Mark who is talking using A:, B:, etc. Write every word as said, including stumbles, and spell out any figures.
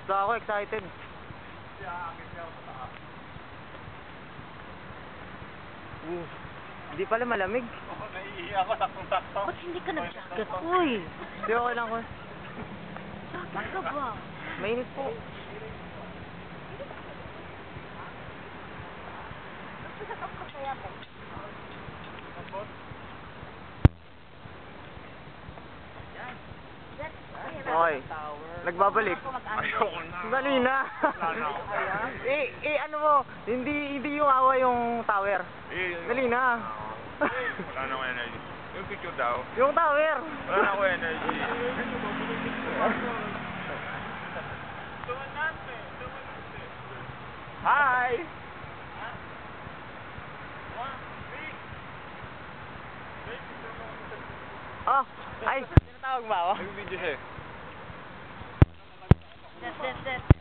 A: So ako excited. Uh, hindi pala malamig.
B: Oo, naiihi ako, saktong-sakto.
C: Ba't hindi ka nag-jacket?
A: Uy! Hindi okay lang ko.
C: Saan ka ba?
A: Mainit po. Okay. Nagbabalik.
B: Ayoko na.
A: Dali na.
B: Wala na ako.
A: eh, eh, ano mo, hindi, hindi yung awa yung tower.
B: Eh,
A: Dali na.
B: Wala na ako energy. Yung picture daw.
A: Yung tower.
B: Wala na ako energy. Hi!
A: Oh, ay, tinatawag ba ako?
B: Nag-video siya eh.
C: Yes, yes, yes.